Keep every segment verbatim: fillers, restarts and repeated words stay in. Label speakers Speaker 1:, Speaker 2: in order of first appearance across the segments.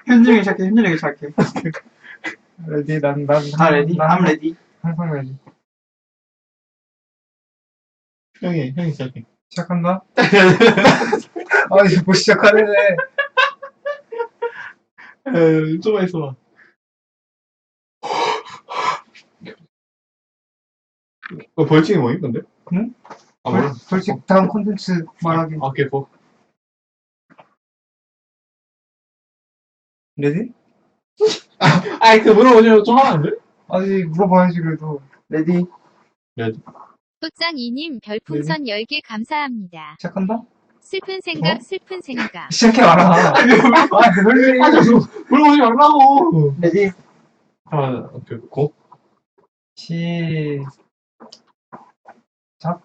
Speaker 1: 현준이 시작해, 현준이 시작해.
Speaker 2: 레디, 난, 난,
Speaker 1: 다 레디?
Speaker 2: 난
Speaker 1: I'm ready.
Speaker 2: 항상 레디.
Speaker 3: 형이, 형이 시작해.
Speaker 2: 시작한다? 아, 이제 뭐 시작하네.
Speaker 3: 에, 좀만 있어봐. 어, 벌칙이 뭐임, 근데?
Speaker 2: 응?
Speaker 3: 아, 몰라.
Speaker 2: 솔직히 다음 콘텐츠 말하기.
Speaker 3: 아, 오케이, 고.
Speaker 2: 레디?
Speaker 3: 아이, 그 물어보시면 좀 하면 안 돼?
Speaker 2: 아니, 물어봐야지, 그래도.
Speaker 1: 레디.
Speaker 3: 레디.
Speaker 4: 소짱이님 별풍선 열 개 감사합니다.
Speaker 2: 시작한다?
Speaker 4: 슬픈 생각
Speaker 2: 어?
Speaker 4: 슬픈 생각.
Speaker 2: 시작해봐라. 아, 왜
Speaker 3: 아,
Speaker 2: 그래?
Speaker 3: 저, 물어보지 말라고!
Speaker 1: 레디.
Speaker 3: 아, 오케이, 고.
Speaker 2: 시, 작?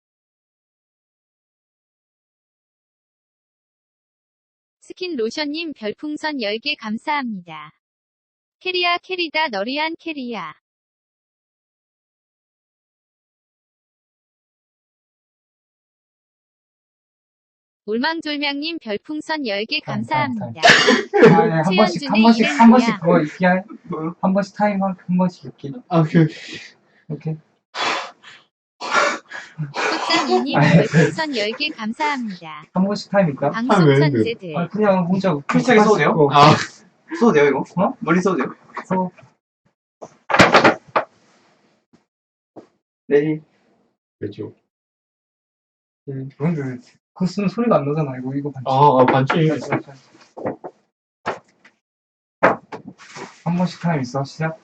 Speaker 4: 스킨 로션님 별풍선 열 개 감사합니다. 캐리야 캐리다 너리한 캐리야. 올망졸명님 별풍선 열 개 감사합니다.
Speaker 2: 아, 네, 한 번씩, 한
Speaker 4: 최현준의
Speaker 2: 번씩,
Speaker 4: 이름
Speaker 2: 한 번씩
Speaker 4: 뭐야?
Speaker 2: 그거 있게 할,
Speaker 1: 뭐요?
Speaker 2: 한 번씩 타임 한, 한 번씩 있게.
Speaker 3: 아, 오케이, 오케이.
Speaker 2: 오케이.
Speaker 4: 소짱이님
Speaker 2: 아이,
Speaker 4: 별풍선 열 개 감사합니다.
Speaker 2: 한 번씩 타임 있다?
Speaker 3: 아, 왜,
Speaker 4: 방송
Speaker 3: 왜?
Speaker 4: 천재들.
Speaker 2: 아, 그냥 문자.
Speaker 1: 필살기 써도 돼요?
Speaker 2: 그거
Speaker 3: 아,
Speaker 1: 써도 돼요, 이거?
Speaker 2: 어?
Speaker 1: 머리 써도 돼요?
Speaker 2: 써.
Speaker 1: 레디.
Speaker 3: 왜죠?
Speaker 2: 음, 그런데 왜 그거 쓰면 소리가 안 나잖아, 이거, 이거 반칙.
Speaker 3: 아, 아, 반칙.
Speaker 2: 한 번씩 타임 있어, 시작.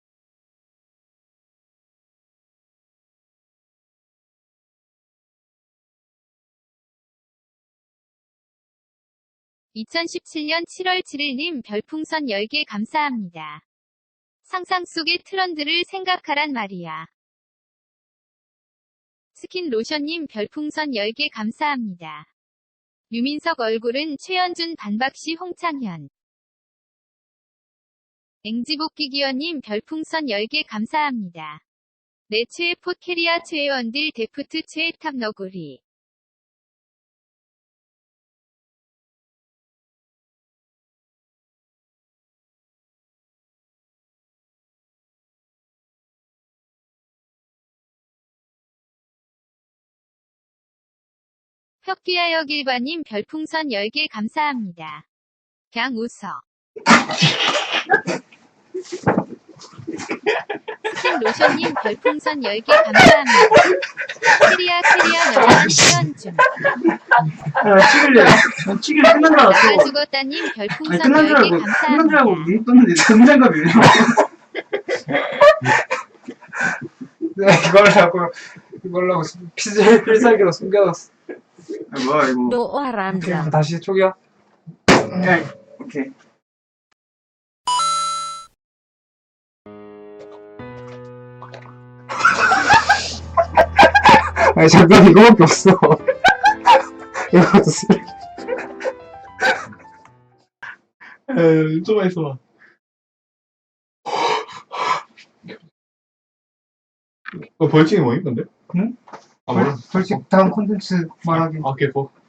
Speaker 4: 이천십칠년 칠월 칠일님 별풍선 열 개 감사합니다. 상상 속의 트렌드를 생각하란 말이야. 스킨 로션님 별풍선 열 개 감사합니다. 유민석 얼굴은 최현준 반박시 홍창현. 앵지복귀 기현님 별풍선 열 개 감사합니다. 내 최애 포캐리아 최애원딜 데프트 최애탑 너구리. 혁기하여 길바님 별풍선 열 개 감사합니다. 그냥 웃어. 스킨 로션님 별풍선 열 개 감사합니다. 캐리야 캐리야 너랑 최현준.
Speaker 1: 아, 찍을래. 난 찍을 끝난 줄 알았어.
Speaker 4: 나가 죽었다님
Speaker 1: 아니,
Speaker 4: 별풍선
Speaker 1: 끝난 줄
Speaker 4: 열 개
Speaker 1: 알고, 끝난 줄 알고
Speaker 4: 감사합니다.
Speaker 1: 눈 떴는데 등장갑이에요.
Speaker 2: 내가 이걸 하고, 이걸 하고, 필살, 필살기로 숨겨놨어.
Speaker 1: 아, 뭐야, 이거.
Speaker 4: 너
Speaker 2: 오케이,
Speaker 4: 와람자.
Speaker 2: 그럼 다시 초기화.
Speaker 1: 오케이. 오케이.
Speaker 2: 아니, 잠깐, 이거밖에 없어. 이것도 쓰
Speaker 3: 에, 좀만 있어봐. 어, 벌칙이 뭐임, 근데?
Speaker 2: 응?
Speaker 3: 아, 몰라.
Speaker 2: 솔직히 다음 콘텐츠 말하기.
Speaker 3: 아, 오케이, 고.